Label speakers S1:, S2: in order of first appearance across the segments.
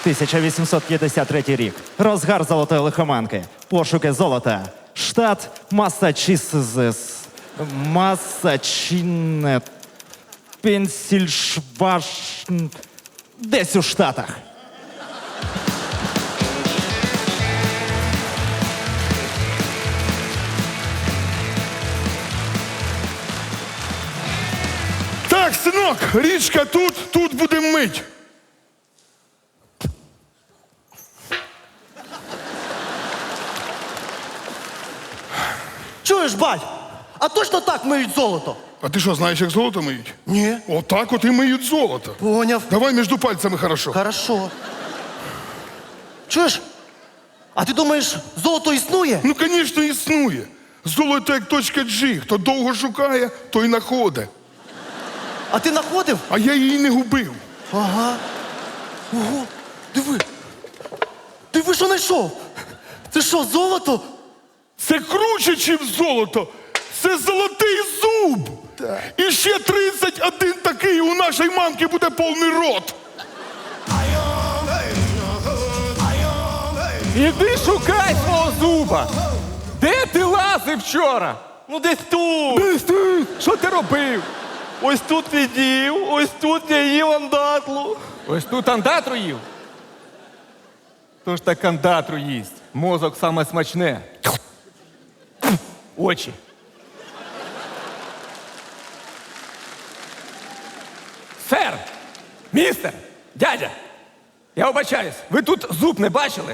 S1: 1853 рік. Розгар золотої лихоманки. Пошуки золота. Штат Массачусетс. Массачусетс. Пенсільшваш... Десь у Штатах.
S2: Так, синок, річка тут будемо мить.
S3: Чуєш, бать? А точно так миють золото?
S2: А ти що, знаєш, як золото миють?
S3: Ні.
S2: Отак от і миють золото.
S3: Поняв.
S2: Давай між пальцями хорошо.
S3: Хорошо. Чуєш? А ти думаєш, золото існує?
S2: Ну, звісно, існує. Золото як точка G. Хто довго шукає, той знаходить.
S3: А ти знаходив?
S2: А я її не губив.
S3: Ага. Ого, диви. Диви, що знайшов? Це що, золото?
S2: Це круче, ніж золото. Це золотий зуб. І ще 31 такий у нашої мамки буде повний рот.
S4: Іди шукай свого зуба! Де ти лазив вчора?
S5: Ну десь тут.
S4: Десь ти! Що ти робив?
S5: Ось тут відів, ось тут я їв андатлу.
S4: Ось тут андатру їв. Тож так андатру їсть. Мозок саме смачне. Очі. Сер! Містер! Дядя! Я вибачаюсь, ви тут зуб не бачили?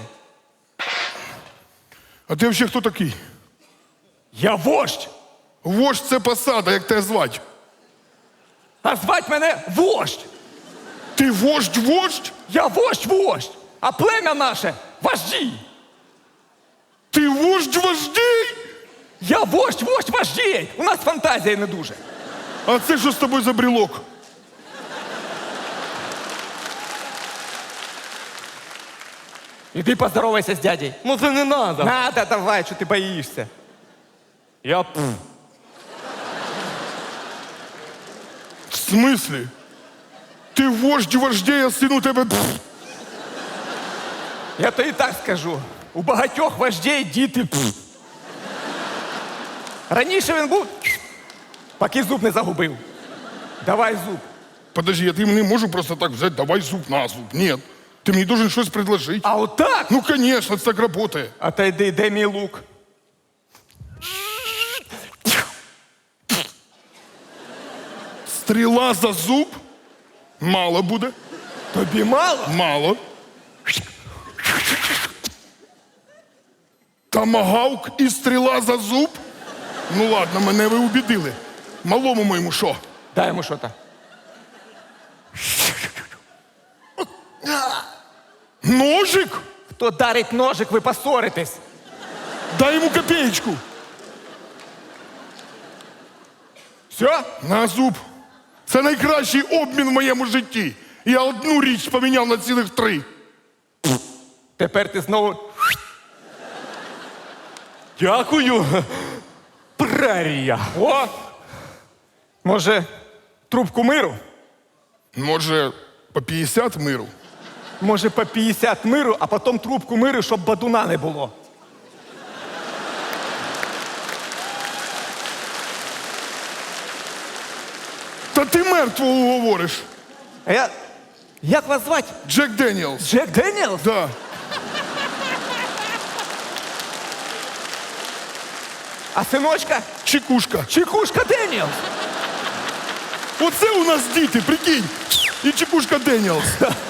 S2: А ти взагалі хто такий?
S4: Я вождь!
S2: Вождь – це посада, як тебе звать.
S4: А звать мене вождь!
S2: Ти вождь?
S4: Я вождь! А плем'я наше вожді!
S2: Ти вождь-вождій?
S4: Я вождь вождій! У нас фантазія не дуже.
S2: А це що з тобою за брелок?
S4: Іди поздоровайся з дядей.
S5: Ну це не надо.
S4: Надо, давай, що ти боїшся.
S5: Я
S2: В смислі? Ти вождь вождей, а син у тебе...
S4: Я тобі так скажу. У багатьох вождей діти. Раніше він був, поки зуб не загубив. Давай зуб.
S2: Подожди, я не можу просто так взяти, давай зуб на зуб. Ні. Ти мені должен щось предложити.
S4: А отак?
S2: Ну, конечно, це так работає.
S4: А та йди, де мій лук?
S2: Стріла за зуб? Мало буде.
S4: Тобі мало?
S2: Мало. Томагавк і стріла за зуб? Ну ладно, мене ви убідили. Малому моєму що?
S4: Дай йому що-то.
S2: Ножик?
S4: Хто дарить ножик, ви поссоритесь.
S2: Дай йому копеечку.
S4: Все?
S2: На зуб. Це найкращий обмін в моєму житті. Я одну річ поміняв на цілих 3.
S4: Тепер ти знову...
S5: дякую. Прерія.
S4: О! Може, трубку миру?
S2: Може, по 50 миру?
S4: Може, по 50 миру, а потім трубку миру, щоб бадуна не було.
S2: Та ти мертвого говориш.
S4: А я... Як вас звати?
S2: Джек Деніелс.
S4: Джек Деніелс?
S2: Да.
S4: А синочка?
S2: Чекушка.
S4: Чекушка Деніелс.
S2: Оце у нас діти, прикинь. І Чекушка Деніелс.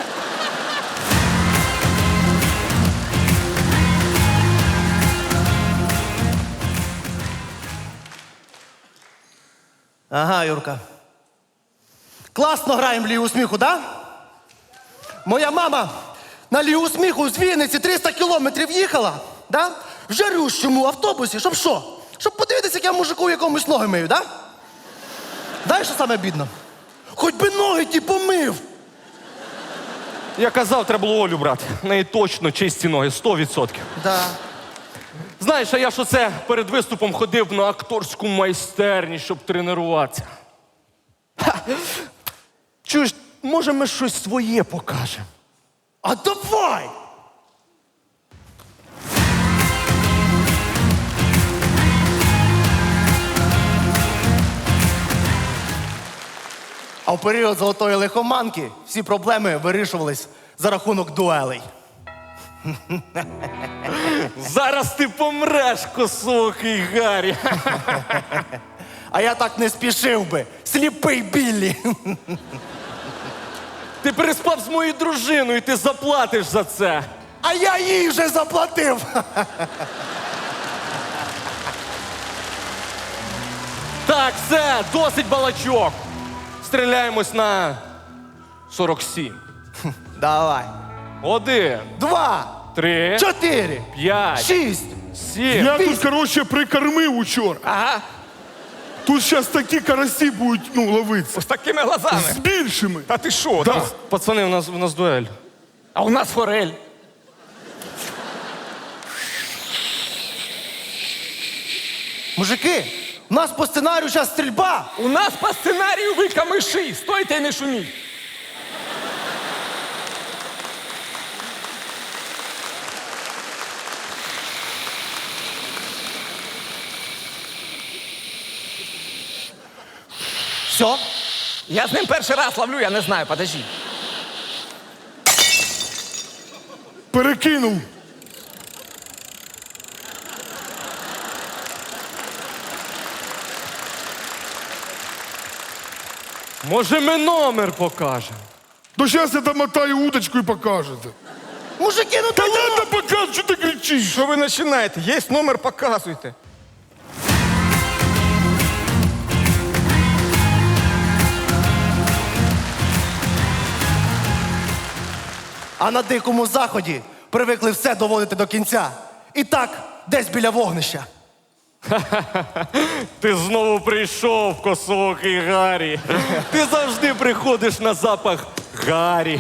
S3: Ага, Юрка. Класно граємо в лігу сміху, да? Моя мама на лігу сміху з Вінниці 300 кілометрів їхала, да? В жарющому автобусі, щоб що? Щоб подивитися, як я мужику якомусь ноги мию, да? Знаєш, що саме бідно? Хоч би ноги ті помив.
S5: Я казав, треба було Олю брати. В неї точно чисті ноги, 100%.
S3: Да.
S5: Знаєш, а я ж оце перед виступом ходив на акторську майстерність, щоб тренуватися. Ха! Чуєш, може ми щось своє покажемо?
S3: А давай! А в період золотої лихоманки всі проблеми вирішувались за рахунок дуелей.
S5: Зараз ти помреш, косоокий Гаррі.
S3: А я так не спішив би. Сліпий Біллі.
S5: Ти переспав з моєю дружиною, і ти заплатиш за це.
S3: А я їй вже заплатив.
S5: Так, все, досить балачок. Стріляємось на 47.
S3: Давай.
S5: 1,
S3: 2,
S5: 3,
S3: 4,
S5: 5,
S3: 6.
S5: 7.
S2: Я тут, коротше, прикормив учора.
S4: Ага,
S2: Тут зараз такі карасі будуть, ловитися.
S4: з такими глазами.
S2: З більшими.
S4: Та ти що?
S2: Да.
S5: Пацани, у нас дуель.
S4: А у нас форель.
S3: Мужики, у нас по сценарію зараз стрільба.
S4: У нас по сценарію ви камиші. Стойте і не шуміть.
S3: Все?
S4: Я з ним перший раз ловлю, я не знаю, подожди.
S2: Перекинув.
S5: Може, ми номер покажемо?
S2: То зараз я домотаю удочку і покажете.
S3: Мужики, ну
S2: Та
S3: та
S2: ладно, покажу, що ти кричиш.
S4: Що ви починаєте? Є номер, показуйте.
S3: А на дикому заході привикли все доводити до кінця. І так, десь біля вогнища.
S5: Ти знову прийшов, косоокий Гаррі. Ти завжди приходиш на запах Гаррі.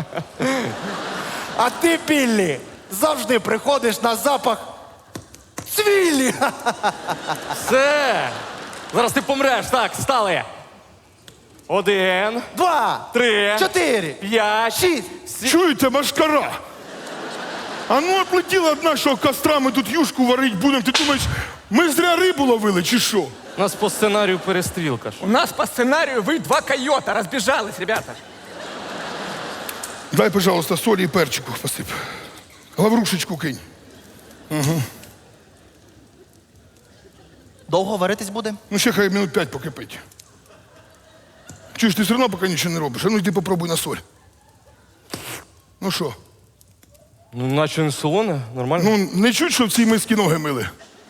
S3: А ти, Біллі, завжди приходиш на запах цвілі.
S5: Все. Зараз ти помреш. Так, стали. 1,
S3: 2,
S5: 3,
S3: 4,
S5: 5,
S3: 6.
S2: Чуєте, машкара? А ну оплетіла од нашого костра, ми тут юшку варить будемо. Ти думаєш, ми зря рибу ловили чи що?
S5: У нас по сценарію перестрілка ж.
S4: У нас по сценарію ви два койота. Розбіжались, ребята.
S2: Дай, пожалуйста, солі і перчику посип. Лаврушечку кинь.
S3: Довго варитись буде?
S2: Ну, ще хай минут 5 покипить. Чуєш, ти все одно поки нічого не робиш. А ну йди попробуй на соль. Ну що?
S5: Ну, наче не солоне, нормально.
S2: Ну, не чуть, що в цій мисці ноги мили.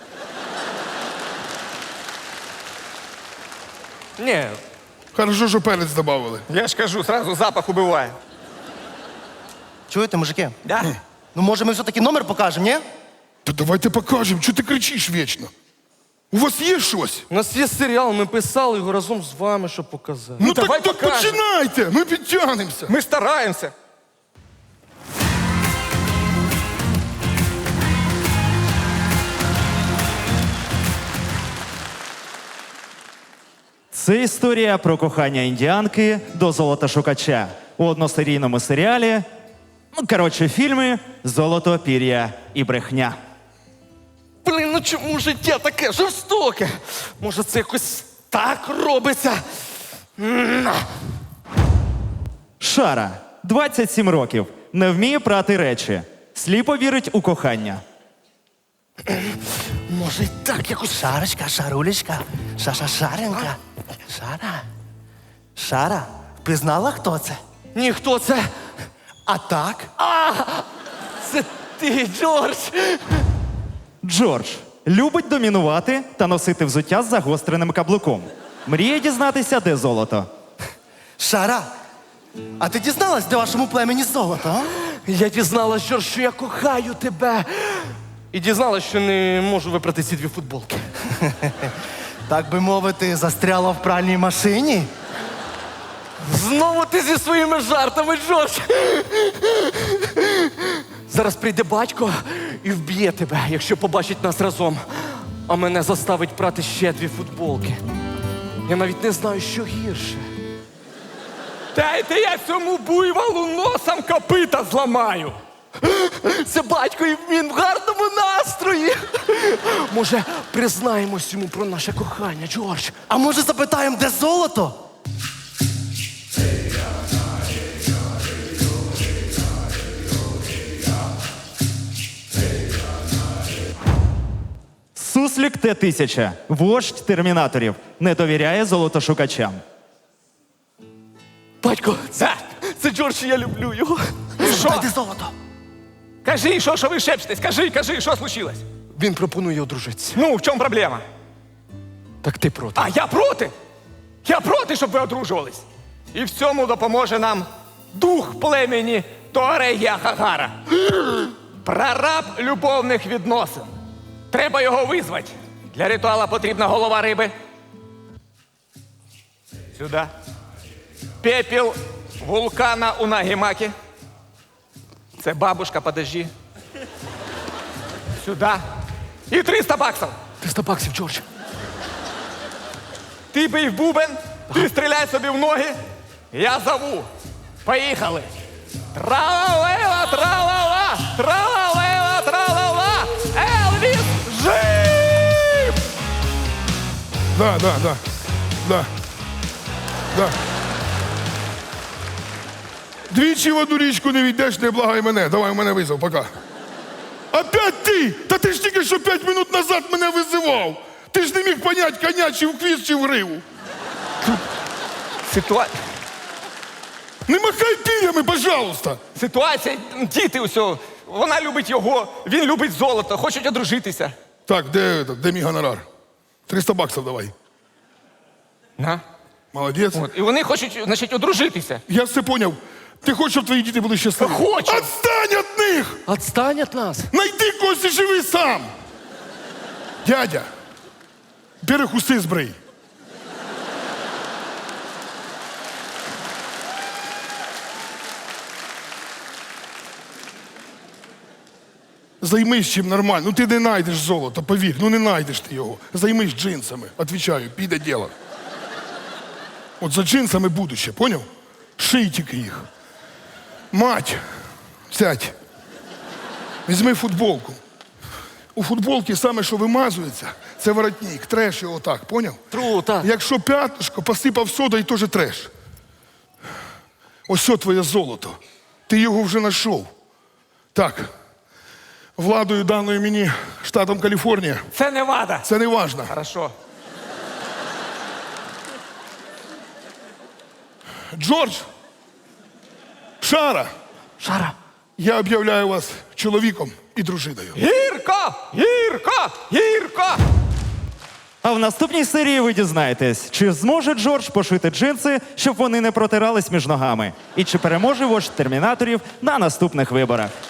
S5: Ні,
S2: Хорошо, що перець додавали.
S4: Я ж кажу, сразу запах убиває.
S3: Чуєте, мужики?
S4: Да?
S3: Ну, може, ми все-таки номер покажемо, ні?
S2: Та давайте покажемо, чого ти кричиш вічно? У вас є щось?
S5: у нас є серіал, ми писали його разом з вами, щоб показати.
S2: Ну,
S4: давай
S2: так
S4: покажемо.
S2: починайте, ми підтягнемося.
S4: Ми стараємося.
S1: Це історія про кохання індіанки до золотошукача у односерійному серіалі. Ну, коротше, фільми «Золото, пір'я і брехня».
S5: Блін, ну чому життя таке жорстоке? Може, це якось так робиться?
S1: Шара, 27 років, не вміє прати речі, сліпо вірить у кохання.
S5: Може, і так якось.
S3: Шарочка, шарулечка, шаренька. Шара. Шара, пізнала, хто це?
S5: Ні, хто це?
S3: А так?
S5: Це ти, Джордж.
S1: Джордж любить домінувати та носити взуття з загостреним каблуком. Мріє дізнатися, де золото.
S3: Шара, а ти дізналась, де вашому племені золото? А?
S5: Я дізналась, Джордж, що я кохаю тебе. І дізналась, що не можу випрати ці дві футболки.
S3: Так би мовити, застряла в пральній машині?
S5: Знову ти зі своїми жартами, Джордж. Зараз прийде батько і вб'є тебе, якщо побачить нас разом. А мене заставить прати ще дві футболки. Я навіть не знаю, що гірше.
S4: Дайте я цьому буйволу носом копита зламаю.
S5: Це батько, і він в гарному настрої. Може, признаємось йому про наше кохання, Джордж?
S3: А може запитаємо, де золото?
S1: Суслік Т-1000, вождь термінаторів, не довіряє золотошукачам.
S5: Батько, це Джордж, і я люблю його.
S3: Запитай, де золото?
S4: Кажи, що ви шепчетесь? Кажи, що случилось?
S5: Він пропонує одружитися.
S4: Ну, в чому проблема?
S5: Так ти проти.
S4: А я проти? Я проти, щоб ви одружувались. І в цьому допоможе нам дух племені Туарегія Хагара. Прораб любовних відносин. Треба його визвати. Для ритуала потрібна голова риби. Сюди. Пепіл вулкана у Нагімакі. Це бабушка, подожди. Сюди. І 300 баксів.
S5: 300 баксів, Джордж.
S4: Ти бий в бубен, ти стріляй собі в ноги, я зову. Поїхали. Тра-ла-лела, тра-ла-ла, тра-ла-лела, тра-ла-ла. Елвіс жив!
S2: Да. Двічі в одну річку не війдеш, не благай мене. Давай, мене визов, пока. Опять ти? Та ти ж тільки що 5 минут назад мене визивав. Ти ж не міг понять, коня чи в хвіст, чи в гриву. Не махай пір'ями, пожалуйста.
S4: Ситуація, діти усього. Вона любить його, він любить золото, хочуть одружитися.
S2: Так, де мій гонорар? 300 баксів давай.
S4: На.
S2: Молодець.
S4: От. І вони хочуть, значить, одружитися.
S2: Я все поняв. Ти хочеш, щоб твої діти були щасливі?
S4: Хочу.
S2: Отстань від них!
S5: Отстань від нас.
S2: Найди когось і живи сам! Дядя, бери уси збрий. Займись чим нормально. Ну ти не знайдеш золото, повір. Ну не знайдеш ти його. Займись джинсами. Отвічаю, піде діло. От за джинсами будуще, поняв? Ший тільки їх. Мать, сядь. Візьми футболку. У футболці саме, що вимазується, це воротник. Треш його так, поняв?
S5: Тру, так.
S2: Якщо п'ятнишко посипав сода, і теж треш. Ось що твоє золото. Ти його вже знайшов. Так. Владою, даною мені штатом Каліфорнія,
S4: Це не вада.
S2: це не важно.
S4: Хорошо.
S2: Джордж, Шара, я об'являю вас чоловіком і дружиною.
S4: Гірко! Гірко! Гірко!
S1: А в наступній серії ви дізнаєтесь, чи зможе Джордж пошити джинси, щоб вони не протирались між ногами, і чи переможе вождь термінаторів на наступних виборах.